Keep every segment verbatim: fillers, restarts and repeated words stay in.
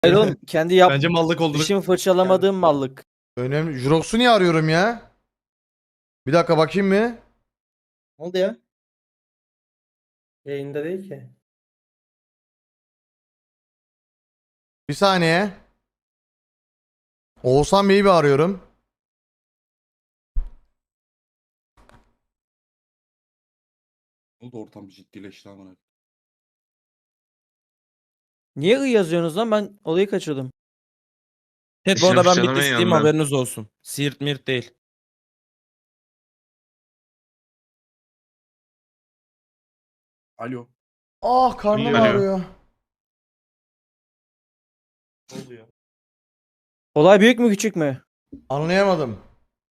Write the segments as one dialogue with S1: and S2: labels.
S1: Hayır oğlum kendi yap
S2: Bence mallık olduğunu.
S1: dişimi fırçalamadığım mallık.
S3: Önemli. Jurox'u niye arıyorum ya? Bir dakika bakayım mı?
S4: Ne oldu ya? Yayında değil ki.
S3: Bir saniye. Oğuzhan Bey'i bir arıyorum.
S2: Oldu ortam ciddileşti amına.
S1: Niye ı yazıyorsunuz lan, ben olayı kaçırdım.
S5: Evet bu arada ben
S6: fırçalamayın
S5: Bitlisliyim,
S6: yandan.
S5: haberiniz olsun. Siirt mirt değil.
S2: Alo.
S3: Ah karnım
S6: Alo.
S3: ağrıyor.
S2: Ne oldu ya?
S1: Olay büyük mü küçük mü?
S3: Anlayamadım.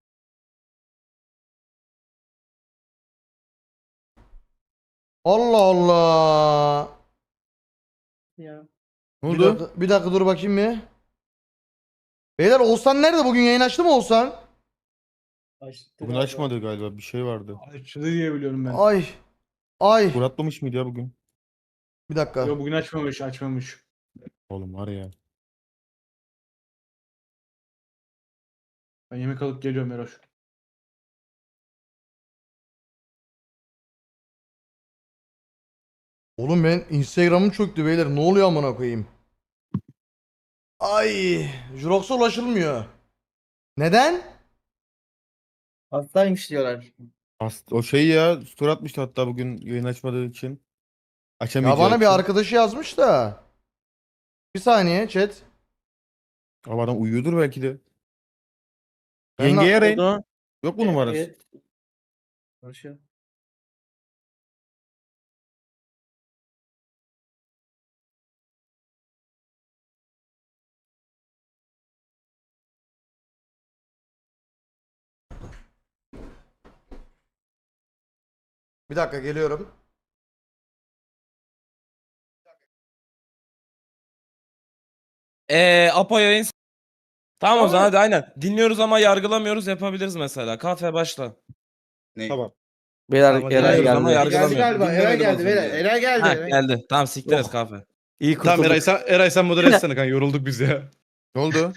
S3: Allah Allah.
S4: Ya.
S2: Ne
S3: Bir
S2: oldu?
S3: dakika, bir dakika dur bakayım mı? Beyler Oğuzhan nerede? Bugün yayın açtı mı Oğuzhan?
S4: Açtı
S7: Bugün
S4: galiba.
S7: açmadı galiba, bir şey vardı.
S4: Açtı diye biliyorum ben.
S3: Ay. Ay.
S7: Muratlamış mıydı ya bugün?
S3: Bir dakika.
S4: Yo bugün açmamış açmamış.
S7: Oğlum var ya.
S4: Ben yemek alıp geliyorum Eroş.
S3: Oğlum ben Instagram'ım çöktü beyler. Ne oluyor amına koyayım? Ay. Jurox'a ulaşılmıyor. Neden?
S4: Hastaymış diyorlar.
S7: Ast o şey ya, story atmıştı hatta bugün yayın açmadığı için.
S3: Ya
S7: Açamayacağı
S3: bana
S7: için.
S3: bir arkadaşı yazmış da. Bir saniye chat.
S7: Ama adam uyuyordur belki de.
S3: Ben
S7: Yengeye
S3: na-
S7: arayın.
S1: Oldu.
S7: Yok mu numarası?
S4: Evet. Konuşuyor.
S3: Bir dakika geliyorum.
S5: Eee Apo yayın. Tamam o
S4: Tamam.
S5: zaman hadi aynen. Dinliyoruz ama yargılamıyoruz, yapabiliriz mesela. Kafe başla.
S2: Ne?
S7: Tamam.
S1: Beyler
S2: Tamam,
S1: Eray
S5: dinliyoruz ama
S1: geldi.
S5: yargı-
S4: Geldi galiba.
S2: Dinlemedim
S4: Eray
S2: az
S4: geldi.
S2: önce
S4: Beyler.
S2: ya.
S4: Eray geldi.
S5: Ha
S4: Eray.
S5: geldi. Tamam siktiriz
S1: Oh.
S5: kafe.
S1: İyi
S2: Tamam
S1: kurtulduk.
S2: Eray sen, Eray sen modere etsene kanka, yorulduk biz ya.
S7: Ne oldu?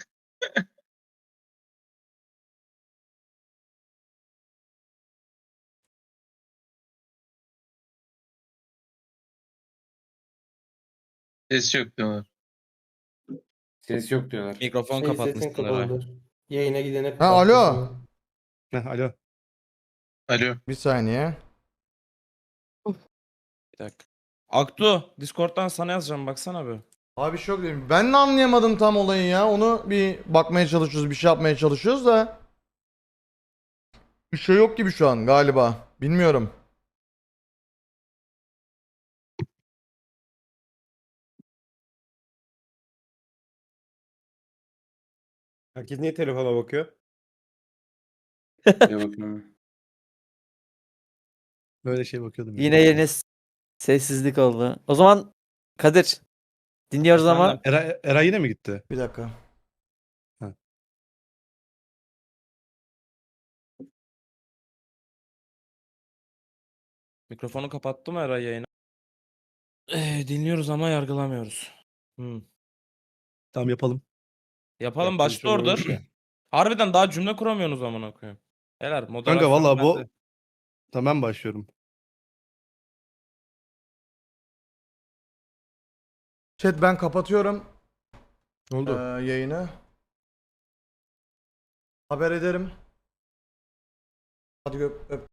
S6: Ses yok diyorlar.
S8: Ses yok diyorlar.
S5: Mikrofon
S4: Şey, sesin
S5: kapatmışsın Eray.
S4: kapalıdır. Yayına gidene
S3: Ha
S4: kapattı
S3: alo.
S4: sonra.
S2: Heh, alo.
S6: Alo.
S3: Bir saniye.
S5: Bir dakika. Aktu Discord'dan sana yazacağım, baksana bir.
S3: Abi şok diyeyim. Ben de anlayamadım tam olayı ya. Onu bir bakmaya çalışıyoruz, bir şey yapmaya çalışıyoruz da. Bir şey yok gibi şu an galiba. Bilmiyorum.
S7: Herkes niye telefona bakıyor?
S8: Bir bakıyorum.
S2: Böyle şey bakıyordum. ya.
S1: Yine yeni s- sessizlik oldu. O zaman Kadir dinliyoruz ama
S5: Efendim?
S2: Eray, Eray yine mi gitti?
S3: Bir dakika.
S5: Mikrofonu kapattı mı Eray yayını? Eee dinliyoruz ama yargılamıyoruz. Hmm.
S2: Tamam yapalım.
S5: Yapalım,
S2: Yapacak bir
S5: başla
S2: şey olmamış
S5: orada.
S2: ya.
S5: Harbiden daha cümle kuramıyorsunuz amına koyayım. Helal moderasyon
S2: Kanka valla bu...
S5: bende.
S2: Tamam ben başlıyorum.
S3: Chat ben kapatıyorum
S2: Ne
S3: ee,
S2: oldu?
S3: yayını. Haber ederim. Hadi öp, öp.